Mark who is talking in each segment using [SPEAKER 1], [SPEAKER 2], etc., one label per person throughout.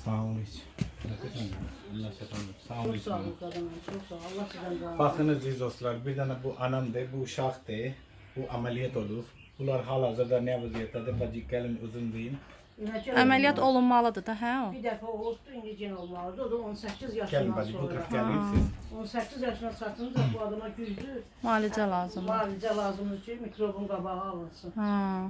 [SPEAKER 1] Sağ olun hiç. Sağ olun.
[SPEAKER 2] Çok sağ olun kadınım, çok sağ olun. Allah sizden razı olsun.
[SPEAKER 1] Bakınız aziz dostlar, bir tane bu anamdı, bu uşaqdı, bu ameliyat olur. Bunlar hal-hazırda ne vəziyyətdədir? Bacı gəlin uzun deyin.
[SPEAKER 3] Əməliyyat olunmalıdır da, hə o?
[SPEAKER 2] Bir dəfə oldu, indi yenə olmalıdır. O da 18
[SPEAKER 1] Gəlin
[SPEAKER 2] yaşından
[SPEAKER 1] bacı, bu
[SPEAKER 2] sonra.
[SPEAKER 1] tərəf gəlin siz.
[SPEAKER 2] 18 yaşına çatınca bu adama güclü
[SPEAKER 3] Müalicə lazımdır.
[SPEAKER 2] müalicə lazımdır ki, mikrobun qabağı alınsın.
[SPEAKER 3] Ha.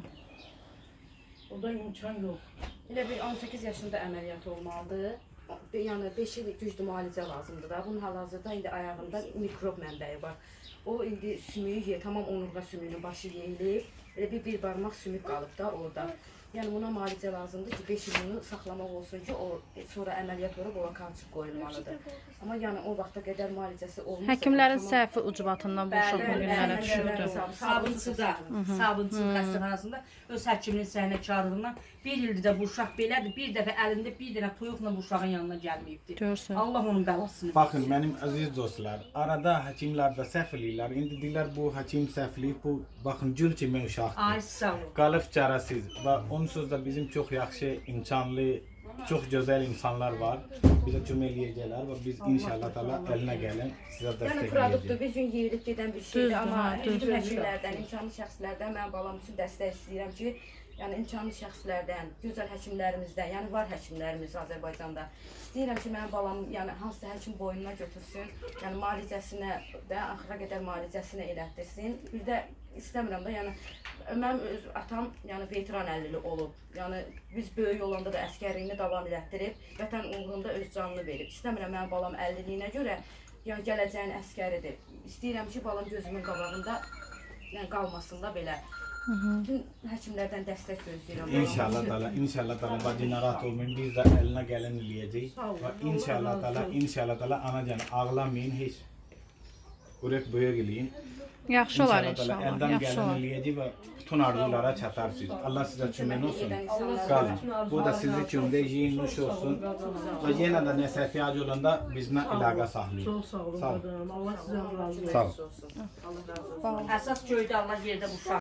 [SPEAKER 2] O da imkan yox.
[SPEAKER 4] Elə bir 18 yaşında əməliyyat olmalıdır. Yəni 5 il güclü müalicə lazımdır da. Bunun hal-hazırda indi ayağında mikrob mənbəyi var. O indi sümüyü, tamam onurğa sümüyünün başı yeyilib. Elə bir barmaq sümük qalıb da orada. Yəni buna müalicə lazımdır ki, 5 il bunu saxlamaq olsun ki, o sonra əməliyyat olub ora qalçıq qoyulmalıdır. Amma yəni o vaxta qədər müalicəsi olmasa...
[SPEAKER 3] Həkimlərin səhvi ucbatından bu uşaq bu günlərə düşübdür.
[SPEAKER 5] Sabunçuda, sabunçu xəstəxanasında öz həkiminin səhnəkarlığından bir ildir də bu uşaq belədir. Bir dəfə əlində bir dənə toyuqla bu uşağın yanına gəlməyibdir.
[SPEAKER 3] Görsün.
[SPEAKER 5] Allah onun bəlasını
[SPEAKER 1] Baxın mənim əziz dostlar, arada həkimlər də səhv eləyirlər. İndi deyirlər bu həkim səhvliyib, bu baxın gül kimi uşaqdır.
[SPEAKER 5] Ay sağ ol.
[SPEAKER 1] Qalıb çarəsiz və onsuz da bizim çox yaxşı, imkanlı, çox gözəl insanlar var. Bizə kömək eləyəcəklər və biz inşallah təala əlinə gəlin sizə
[SPEAKER 4] Yəni
[SPEAKER 1] dəstək
[SPEAKER 4] produktdur,
[SPEAKER 1] eləyəcəyik.
[SPEAKER 4] bir gün yeyilib gedən bir şeydir,
[SPEAKER 3] Düzdür,
[SPEAKER 4] amma
[SPEAKER 3] hə,
[SPEAKER 4] bütün
[SPEAKER 3] düzdür.
[SPEAKER 4] həkimlərdən, imkanlı şəxslərdən mən balam üçün dəstək istəyirəm ki, yəni imkanlı şəxslərdən, gözəl həkimlərimizdən, yəni var həkimlərimiz Azərbaycanda. İstəyirəm ki, mənim balam yəni hansısa həkim boynuna götürsün, yəni müalicəsinə də axıra qədər müalicəsini elətdirsin. Bir də istəmirəm da, yəni mənim öz atam yəni veteran 50'li olub. Yəni biz böyük olanda da əskərliyini davam elətdirib, vətən uğrunda öz canını verib. İstəmirəm mənim balam 50'liyinə görə yəni gələcəyin əskəridir. İstəyirəm ki, balam gözümün qabağında yəni qalmasın da belə. Bütün həkimlərdən dəstək gözləyirəm.
[SPEAKER 1] İnşallah təala bacı narahat olmayın. Biz də əlinə gəlin eləyəcəyik. Və inşallah təala anacan ağlamayın heç. Ürək böyük eləyin.
[SPEAKER 3] Yaxşı olar
[SPEAKER 1] İnşallah təala
[SPEAKER 3] inşallah.
[SPEAKER 1] əldən
[SPEAKER 3] Yaxşı
[SPEAKER 1] gəlin
[SPEAKER 3] olar.
[SPEAKER 1] eləyəcək və bütün arzulara çatarsınız. Allah sizə kömək olsun. Qalın. Bu da sizin üçün də yiyin, nuş olsun. Və yenə də nəsə ehtiyacı olanda bizimlə əlaqə saxlayın.
[SPEAKER 2] Çok sağ olun
[SPEAKER 1] Sağ olun.
[SPEAKER 2] kadınım. Allah sizden razı olsun.
[SPEAKER 1] Sağ olun.
[SPEAKER 4] Allah razı olsun.
[SPEAKER 5] Əsas göydə Allah yerdə bu uşaq.